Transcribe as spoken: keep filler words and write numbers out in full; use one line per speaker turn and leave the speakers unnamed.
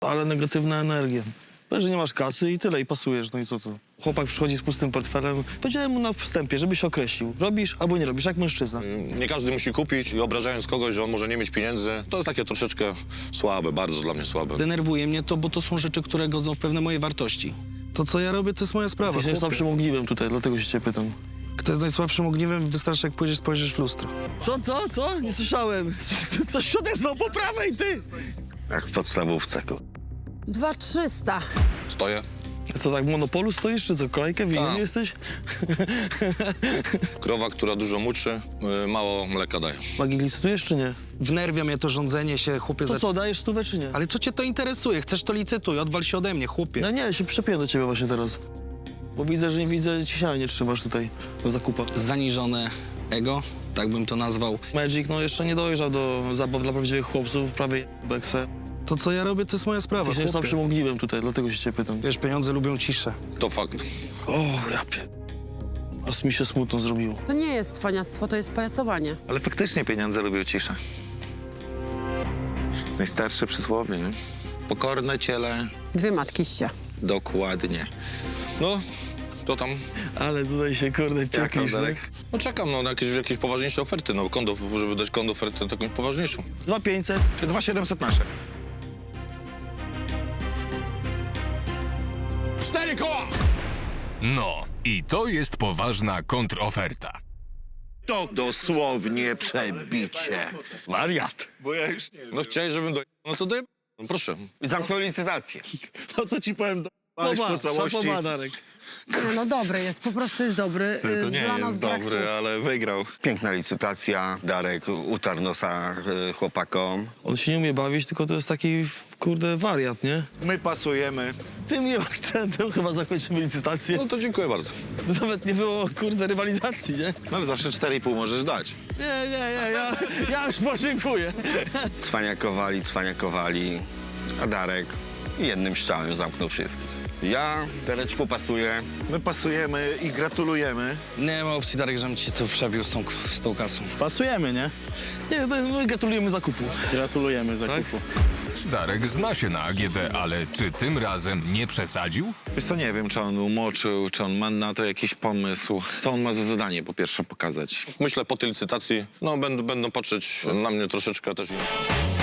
Ale negatywna energia. Powiedz, że nie masz kasy i tyle, i pasujesz, no i co to? Chłopak przychodzi z pustym portfelem. Powiedziałem mu na wstępie, żeby się określił. Robisz albo nie robisz, jak mężczyzna.
Nie każdy musi kupić i obrażając kogoś, że on może nie mieć pieniędzy, to takie troszeczkę słabe, bardzo dla mnie słabe.
Denerwuje mnie to, bo to są rzeczy, które godzą w pewne moje wartości. To, co ja robię, to jest moja sprawa.
Jesteś
chłopie.
najsłabszym ogniwem tutaj, dlatego się cię pytam.
Kto jest najsłabszym ogniwem, wystarczy, jak pójdziesz, spojrzysz w lustro.
Co, co, co? Nie słyszałem. Ktoś się odezwał po prawej, ty!
Jak w podstawówce.
Dwa trzysta.
Stoję.
Co, tak w monopolu stoisz, czy co? Kolejkę w
Tak.
jesteś?
Krowa, która dużo muczy, y, mało mleka daje.
Magii licytujesz, czy nie?
Wnerwia mnie to rządzenie się, chłopie.
To
za-
co, dajesz stówę, czy nie?
Ale co cię to interesuje? Chcesz, to licytuj, odwal się ode mnie, chłopie.
No nie, ja się przepiję do ciebie właśnie teraz. Bo widzę, że nie widzę, ciśnienia nie trzymasz tutaj do zakupa.
Zaniżone ego, tak bym to nazwał.
Magic, no jeszcze nie dojrzał do zabaw dla prawdziwych chłopców, prawie bekse.
To, co ja robię, to jest moja sprawa,
Jesteś
chłopie.
najsłabszym ogniwem tutaj, dlatego się cię pytam.
Wiesz, pieniądze lubią ciszę.
To fakt.
O, ja pie... Aż mi się smutno zrobiło.
To nie jest cwaniactwo, to jest pajacowanie.
Ale faktycznie pieniądze lubią ciszę. Najstarsze przysłowie, nie? Pokorne ciele,
Dwie matki się.
dokładnie.
No, to tam.
Ale tutaj się, kurde,
Jak tam,
pieklisz,
Darek?
No czekam no, na jakieś, jakieś poważniejsze oferty, no kondo, żeby dać kondo ofertę taką poważniejszą.
dwa pięćset.
dwa siedemset nasze.
Cztery koła!
No, i to jest poważna kontroferta.
To dosłownie przebicie.
Wariat.
No chciałeś, żebym do... No to daj... No proszę.
I zamknął licytację.
No to ci powiem, do...
po całości.
szapoba, Darek.
Nie, no dobry jest, po prostu jest dobry.
To
Y,
nie
Dla nas
jest
brak
dobry,
słów.
ale wygrał.
Piękna licytacja. Darek utarł nosa y, chłopakom.
On się nie umie bawić, tylko to jest taki, kurde, wariat, nie?
My pasujemy.
Tym miłym akcentem chyba zakończymy licytację.
No to dziękuję bardzo.
Nawet nie było, kurde, rywalizacji, nie?
No ale zawsze cztery i pół możesz dać.
Nie, nie, nie, ja, ja już podziękuję.
Cwaniakowali, cwaniakowali. A Darek jednym strzałem zamknął wszystkich. Ja, Dareczku, pasuję.
My pasujemy i gratulujemy.
Nie ma opcji, Darek, żebym ci to przebił z tą, z tą kasą.
Pasujemy, nie? Nie, no, my gratulujemy zakupu.
Gratulujemy zakupu.
Darek zna się na A G D, ale czy tym razem nie przesadził?
Wiesz co, nie wiem, czy on umoczył, czy on ma na to jakiś pomysł. Co on ma za zadanie po pierwsze pokazać?
Myślę po tej licytacji, no będą, będą patrzeć na mnie troszeczkę też inaczej.